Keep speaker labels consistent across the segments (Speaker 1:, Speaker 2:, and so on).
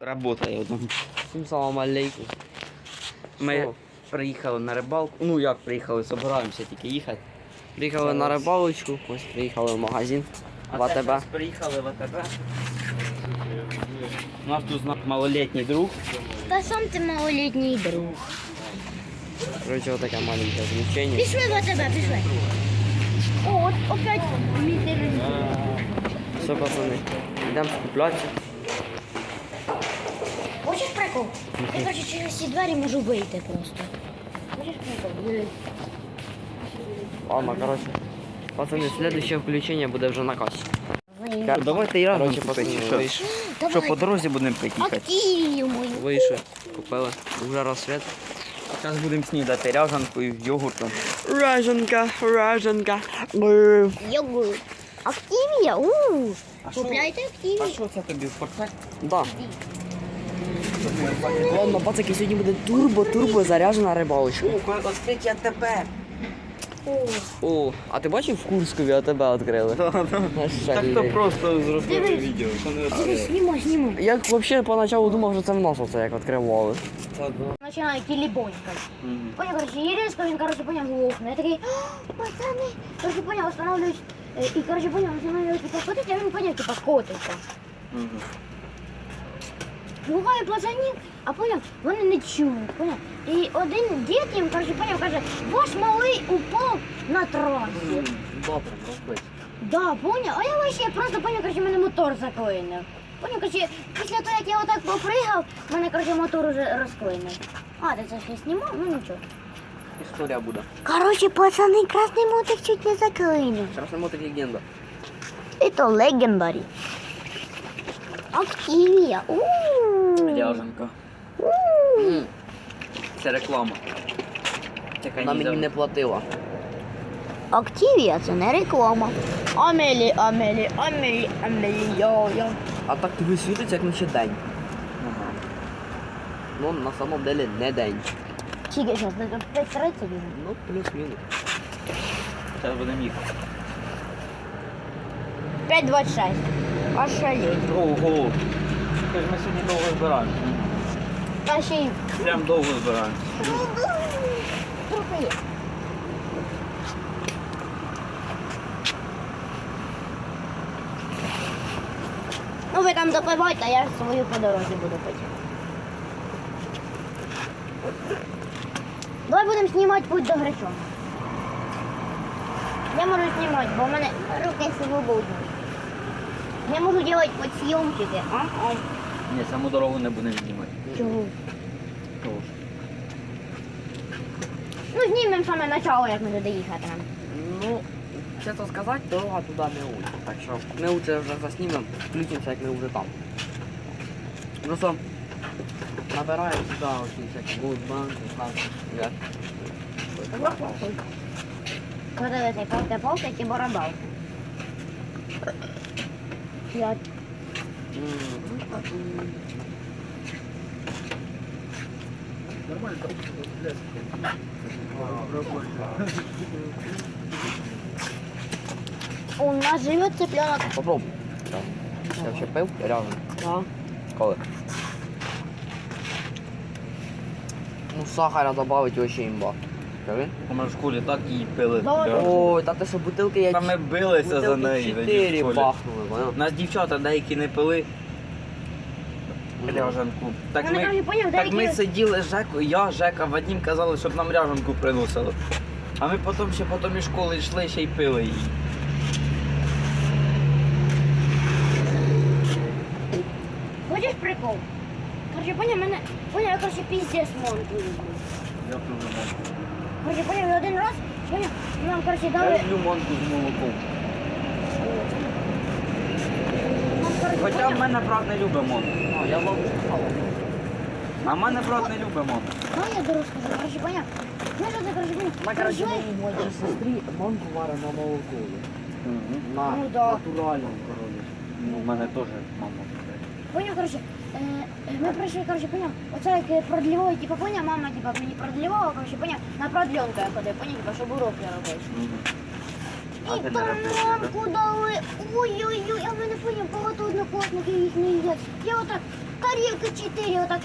Speaker 1: Работає.
Speaker 2: Всім салам алейкум.
Speaker 1: Ми приїхали на рибалку. Ну як приїхали, збираємося тільки їхати.
Speaker 2: Приїхали на рибалочку, ось приїхали в магазин в АТБ.
Speaker 1: Зараз приїхали в АТБ. У нас тут малолітній друг.
Speaker 3: Та сам ти малолітній друг.
Speaker 2: Короче, вот таке маленьке звучення.
Speaker 3: Пішли в тебе, пішли. О, от опять мітер.
Speaker 2: Все, пацани, йдемо скуплятися.
Speaker 3: Хочеш прикол? Я, короче, через ці двері можу вийти просто. Хочеш прикол?
Speaker 2: Ладно, короче. Пацани, следующее включення буде вже на касі.
Speaker 1: Давайте і разом
Speaker 2: Короче,
Speaker 1: купити.
Speaker 2: пацани,
Speaker 1: Що?
Speaker 2: вийшли.
Speaker 1: Що по дорозі будемо пити їхати?
Speaker 3: Активію мою.
Speaker 2: Вийшли, купили. Уже розсвіт.
Speaker 1: Зараз будемо снідати ряжанкою, йогуртом.
Speaker 2: Раженка, раженка.
Speaker 3: Йогурт. Активія? Купляйте
Speaker 1: А
Speaker 3: активію.
Speaker 1: що це тобі в портфель?
Speaker 2: Да. Ладно, пацаки, сьогодні буде турбо заряджена рибалочка.
Speaker 1: Відкриття АТБ.
Speaker 2: О, а ти бачив в Курськові АТБ відкрили?
Speaker 1: Так то просто зробили відео.
Speaker 3: Дивись, знімай.
Speaker 2: Я взагалі поначалу думав, що це в нас оце як відкривали.
Speaker 3: Починає кілібонькати. Понял, короче, і різко він, короче, понял, глухне. Я такий, пацани, короче, понял, останавливаюсь. І, короче, понял, останавливаюсь, типа, котить, а він, понял, типа, котиться. Буває пацанів, а понял, вони не чують, понял. І один дід їм, короче, понял, каже, ваш малий упав на трасі.
Speaker 2: Добре, розбить.
Speaker 3: Да, понял, а я вообще просто, понял, короче, мене мотор заклинив. Понял, короче, після того, як я отак попригав, мене, короче, мотор уже розклинив. А, ти це ще знімав? Ну нічого.
Speaker 2: Історія буде.
Speaker 3: Короче, пацани, красний мотик чуть не заклинив.
Speaker 2: Красний мотик легенда.
Speaker 3: Это легендарі. Активія.
Speaker 1: Ряжанка. Це реклама.
Speaker 2: Вона мені не платила.
Speaker 3: Активія це не реклама. Амелі, йо-йо.
Speaker 2: А так тобі світиться, як наче день. Ну, на самом деле не день.
Speaker 3: Скільки зараз? 5:30?
Speaker 2: Ну, плюс-мінус.
Speaker 1: Зараз будемо їхати.
Speaker 3: 5:26. Ошалеть.
Speaker 1: Ого. Скажи, ми сьогодні довго збираємося.
Speaker 3: А ще й
Speaker 1: Прям довго збираємося.
Speaker 3: трохи є. Ну ви там допивайте, а я свою по дорозі буду пити. Давай будемо знімати путь до Гречона. Я можу знімати, бо в мене руки свободні. Я можу робити підсйомчики, а?
Speaker 1: Ні, саму дорогу не будемо знімати.
Speaker 3: Чого? Ну знімемо саме начало, як ми туди їхати.
Speaker 2: Ну, чесно сказати, дорога туди не учить. Так що ми це вже заснімемо, включимося, як ми вже там. Просто набираємо сюди оці всякі Goldbank, так.
Speaker 3: Подивися, палки і барабал. Я У нас живет цыпленок.
Speaker 2: Попробуй. Я вже пив, реально.
Speaker 3: Да.
Speaker 2: Коли? Ну, сахара добавить вообще імба. Скажи.
Speaker 1: Ми в школі так її пили.
Speaker 3: Да.
Speaker 2: Ой, та ти що, бутилки я...
Speaker 1: Та ми билися за неї. тоді в
Speaker 2: 4
Speaker 1: школі.
Speaker 2: бахнули, понял?
Speaker 1: Нас дівчата деякі не пили ряжанку. Так
Speaker 3: Вони кажуть, поняв,
Speaker 1: так ми
Speaker 3: деякі-
Speaker 1: сиділи з Жекою, я, Жека, Вадим казали, щоб нам ряжанку приносили. А ми потім ще потім із школи йшли, ще й пили її.
Speaker 3: Хочеш прикол? Короче, поняв, мене... Поняв, я, короче, пиздец монку люблю.
Speaker 1: Я дуже можу.
Speaker 3: Короче, поняв, я один раз, поняв, нам, короче,
Speaker 1: Я
Speaker 3: дали...
Speaker 1: люблю манку з молоком.
Speaker 3: Нам, короче,
Speaker 1: Хоча в
Speaker 3: поняв,
Speaker 1: мене брат не любить манку.
Speaker 2: Я вам вже сказав.
Speaker 1: А в мене брат не любить манку.
Speaker 3: ну, я дорос скажу, короче, поняв. Ну, що це, короче, поняв,
Speaker 2: Вона, короче,
Speaker 3: прийшли,
Speaker 2: моїй сестрі манку варить на молоко. На
Speaker 3: Ну, да.
Speaker 2: натуральному, короче.
Speaker 1: Ну, в мене теж мама.
Speaker 3: поняв, короче, ми прийшли, короче, поняв, оце як продлівали, типа, поняв, мама, типа, мені продлівала, короче, поняв, на продленку я ходив, поняв, типа, щоб уроки робити.
Speaker 1: А
Speaker 3: І
Speaker 1: ти
Speaker 3: там
Speaker 1: не робиш,
Speaker 3: мамку дали, ой-ой-ой, а в мене, поняв, багато однокласників їх не їдять. Я отак тарілки 4, отак.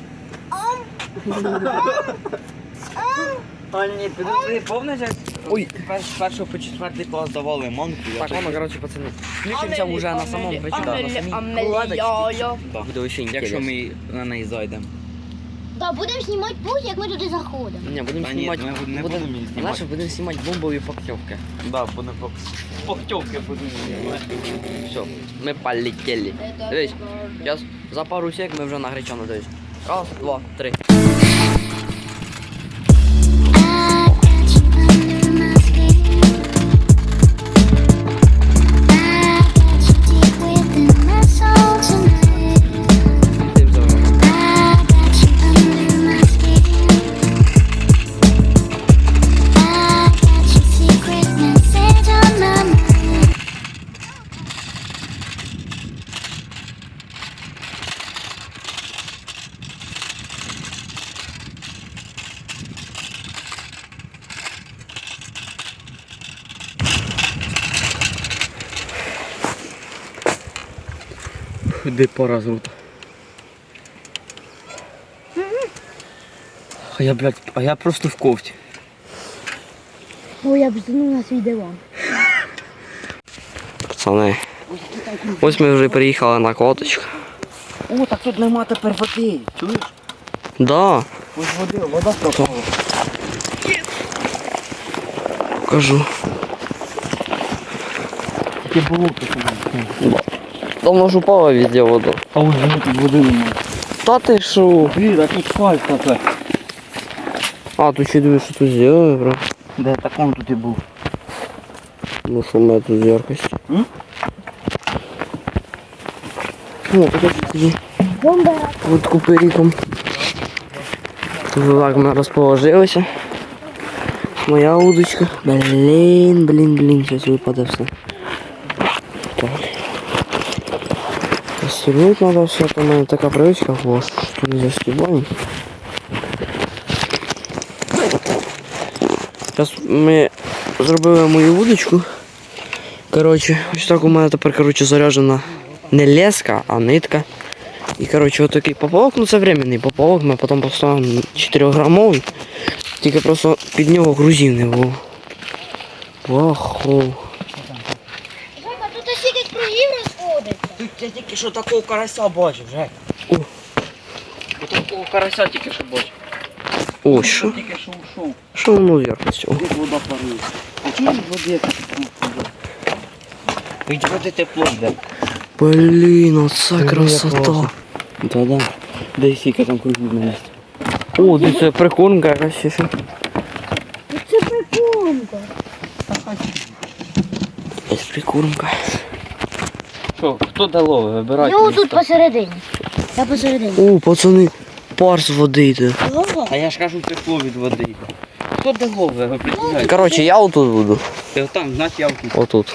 Speaker 1: А ні, підожди, помниш, як
Speaker 2: Ой.
Speaker 1: з першого по 4 клас давали манку?
Speaker 2: Так, ладно, короче, пацани. Включимося вже на самому вечорі. На самій кладочці.
Speaker 1: Так.
Speaker 2: Буде вообще
Speaker 1: Якщо
Speaker 2: інтересно.
Speaker 1: ми на неї зайдемо.
Speaker 3: Да, будемо знімати путь, як ми туди заходимо.
Speaker 2: Ні, будемо
Speaker 1: Та ні,
Speaker 2: знімати.
Speaker 1: ми не будемо її знімати.
Speaker 2: Знаєш, будемо знімати бомбові пактьовки.
Speaker 1: Да, будемо похтьовки будемо знімати.
Speaker 2: Все, ми полетели. Дивись, зараз за пару сек ми вже на гречану дивись. Раз, два, три. Тим завжди. Де пора зрута. А я просто в кофті.
Speaker 3: Ой, я б зну на свій диван.
Speaker 2: Пацани, ось ми вже приїхали на коточку.
Speaker 1: О, так тут нема тепер води. Чуєш?
Speaker 2: Да,
Speaker 1: Ось вода пропала.
Speaker 2: покажу.
Speaker 1: Таке болото.
Speaker 2: Давно ж упала везде вода.
Speaker 1: А ось тут води немає.
Speaker 2: Та ти шо?
Speaker 1: Блін, а тут фальк тепер.
Speaker 2: А, тут ще дивись, що тут зробили, бро.
Speaker 1: Де так он тут і був.
Speaker 2: Ну що в мене тут з яркості?
Speaker 1: М?
Speaker 2: О, покажи тоді.
Speaker 3: Бомба.
Speaker 2: От купериком. Тут так ми розположилися. Моя удочка. Блін, зараз випаде все. Так. Застегнуть треба все, то в мене така привичка, бо що не застібаємо. Зараз ми зробили мою вудочку. Коротше, ось так у мене тепер заряджена не леска, а нитка. І коротше, отакий поплавок, ну це временний поплавок, ми потім поставимо 4-грамовий. Тільки просто під нього грузів не було. Ваху.
Speaker 3: Жека, тут стільки кругів розходиться.
Speaker 1: Тут я тільки що такого карася бачив, Жек.
Speaker 2: О.
Speaker 1: Такого карася тільки що бачив.
Speaker 2: О, що?
Speaker 1: Тільки що ушов.
Speaker 2: Що воно в яркості? О.
Speaker 1: Де вода парує? А чому води тепло? Від води тепло йде.
Speaker 2: Блін, оце красота.
Speaker 1: Да-да. Де скільки там кругів на місці.
Speaker 2: О, де це прикормка якась ще.
Speaker 3: Це прикормка.
Speaker 2: Є прикормка.
Speaker 1: Що, хто де лови? Вибирайте.
Speaker 3: Я тут посередині. Я посередині.
Speaker 2: О, пацани, пар з води йде.
Speaker 1: А я ж кажу, тепло від води йде. Хто де лови? Ви представляєте?
Speaker 2: Коротше, я отут буду.
Speaker 1: Ти там, значить я тут.
Speaker 2: Отут.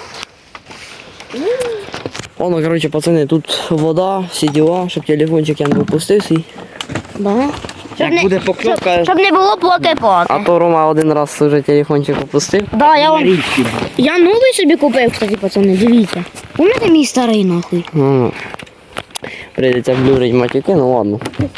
Speaker 2: Воно, коротше, пацани, тут вода, всі діла, щоб телефончик я не випустив свій.
Speaker 3: Да.
Speaker 1: Як буде покльовка,
Speaker 3: Щоб не було плоти-поти.
Speaker 2: А то Рома один раз вже телефончик опустив.
Speaker 3: Да, я
Speaker 1: на
Speaker 3: вам...
Speaker 1: річці.
Speaker 3: Я новий собі купив, кстати, пацани, дивіться. Помните мій старий нахуй?
Speaker 2: Ну, прийдеться блюрить матюки, ну ладно.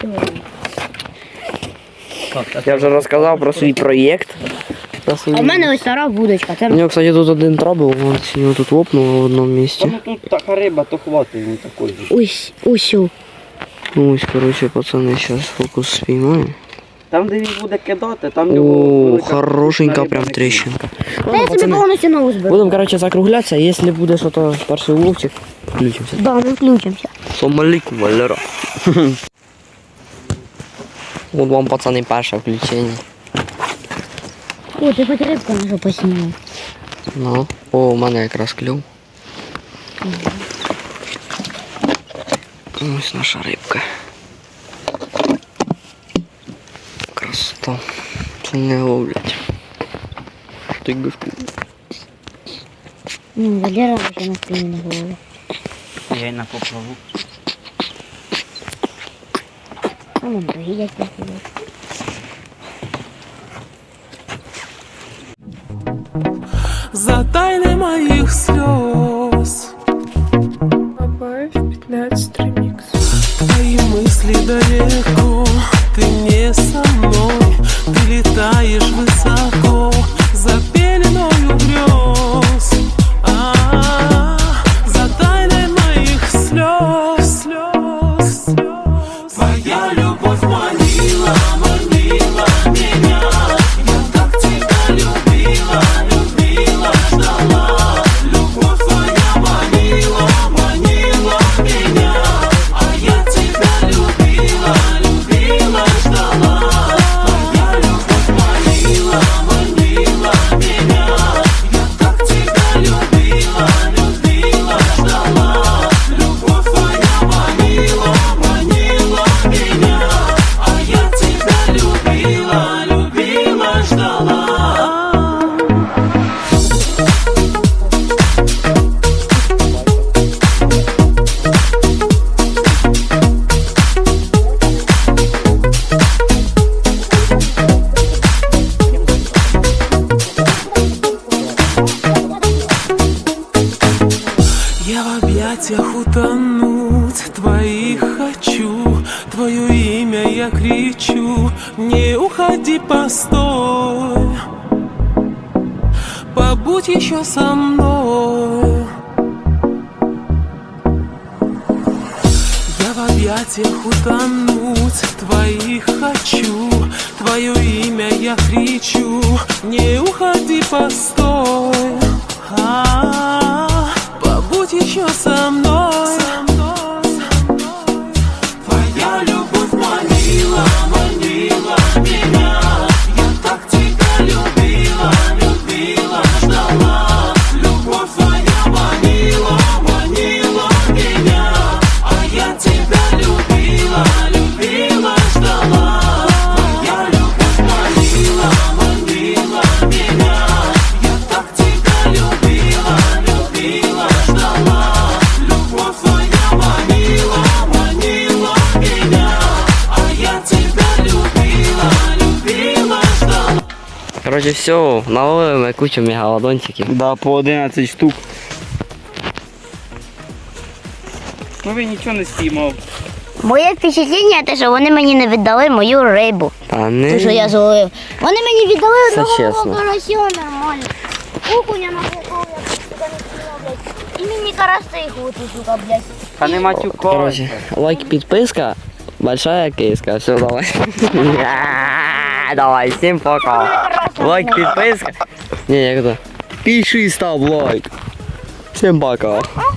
Speaker 2: Я вже розказав про свій проєкт.
Speaker 3: А в мене ось стара вудочка.
Speaker 2: У
Speaker 3: Це...
Speaker 2: нього, кстати, тут один трабл, вон сьогодні тут лопнуло в одному місці.
Speaker 1: Ну тут така риба, то хватить йому такої.
Speaker 3: Ось.
Speaker 2: Ну ось, коротше, пацани, зараз фокус спіймаємо.
Speaker 1: Там, де він буде кидати, там
Speaker 2: О, хорошенька прям тріщинка.
Speaker 3: Та я собі
Speaker 2: Пацани,
Speaker 3: повністю нову зберу.
Speaker 2: будемо, коротше, закруглятися, якщо буде щось перший уловчик, включимося.
Speaker 3: Да, ми включимося.
Speaker 2: Сомаліку, Валера. От вам, пацани, перше включення.
Speaker 3: О, ти хоч рибку нашу поснімав.
Speaker 2: Ну, о, у мене якраз клюв. Ось наша рибка. Красота. Це не ловлять. Ти гушку.
Speaker 3: Валера вже на спині на голову.
Speaker 1: Я й на поплаву.
Speaker 3: А вон доїдять на голову.
Speaker 4: Затай моих слез. Добавь 15 ремикс. Твои мысли далеко, ты не со мной, ты летаешь высоко за пеленою грез, за тайной моих слез, слез, слез. Твоя любовь манила, манила меня, я так тебя любила, любила, ждала. Любовь твоя манила, манила меня, а я тебя любила, любила, ждала. Твоя любовь манила, манила меня, я так тебя любила, любила, ждала. Любовь твоя манила, манила меня, а я тебя любила, любила, ждала. Я в объятиях утонуть твоих хочу, твое имя я кричу, не уходи, постой, побудь еще со мной. Я в объятиях утонуть твоих хочу, твое имя я кричу, не уходи, постой, побудь еще со мной. Твоя любовь манила, манила меня, я так тебя любила, любила, ждала. Любовь твоя манила, манила меня, а я тебя любила, любила, ждала. Твоя любовь манила, манила меня, я так тебя любила, любила, ждала. Любовь твоя манила, манила меня, а я тебя любила, любила, ждала.
Speaker 2: Короче, все, наловили ми кучу мегалодончиків.
Speaker 1: Да, по 11 штук. Ну ви нічого не спіймав.
Speaker 3: Моє впечатлення те, що вони мені не віддали мою рибу.
Speaker 2: Та
Speaker 3: Ту, що я
Speaker 2: не.
Speaker 3: зловив. Вони мені віддали
Speaker 2: Це
Speaker 3: одного
Speaker 2: чесно.
Speaker 3: карася нормально. Окуня напукав, я сюди не спіймав, блядь. І мені караси хватить, сука, блядь.
Speaker 1: Та не матюкайся.
Speaker 2: Короче, лайк, підписка, большая киска. Все, давай. Давай, всім пока. Лайк, підписка. Не, як то? Пиши, став лайк. Всім пока.